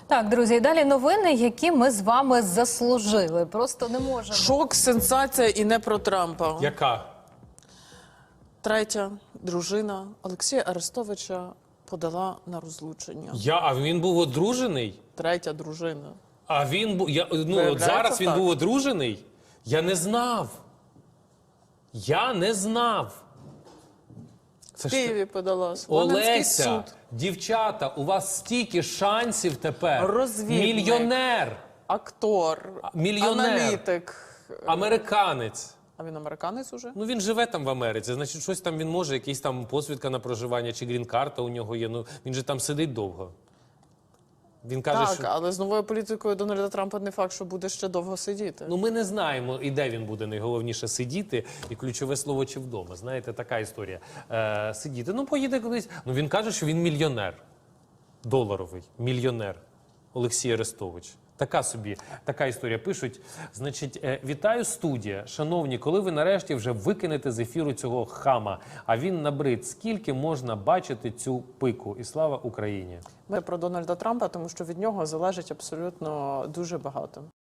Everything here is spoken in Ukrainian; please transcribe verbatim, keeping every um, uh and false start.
Так, друзі, і далі новини, які ми з вами заслужили. Просто не можемо. Шок, сенсація і не про Трампа. Яка? Третя дружина Олексія Арестовича подала на розлучення. Я, а він був одружений? Третя дружина. А він був, я, ну, от Виявляється, зараз він так. був одружений? Я не знав. Я не знав. Це В ж Києві подала. Смоленський Олеся, суд. дівчата, у вас стільки шансів тепер. Розвідник. Мільйонер, Актор, мільйонер. аналітик. американець. А він американець уже? Ну він живе там в Америці, значить щось там він може, якийсь там посвідка на проживання чи грін-карта у нього є. Ну він же там сидить довго. Він каже, Так, що але з новою політикою Дональда Трампа не факт, що буде ще довго сидіти. ну ми не знаємо, і де він буде найголовніше сидіти, і ключове слово чи вдома. Знаєте, така історія. Е, сидіти. Ну поїде кудись. Ну він каже, що він мільйонер. Доларовий мільйонер. Олексій Арестович. Така собі, така історія. Пишуть, значить, е, вітаю студія. Шановні, коли ви нарешті вже викинете з ефіру цього хама, а він набрид, скільки можна бачити цю пику? І слава Україні! Ми про Дональда Трампа, тому що від нього залежить абсолютно дуже багато.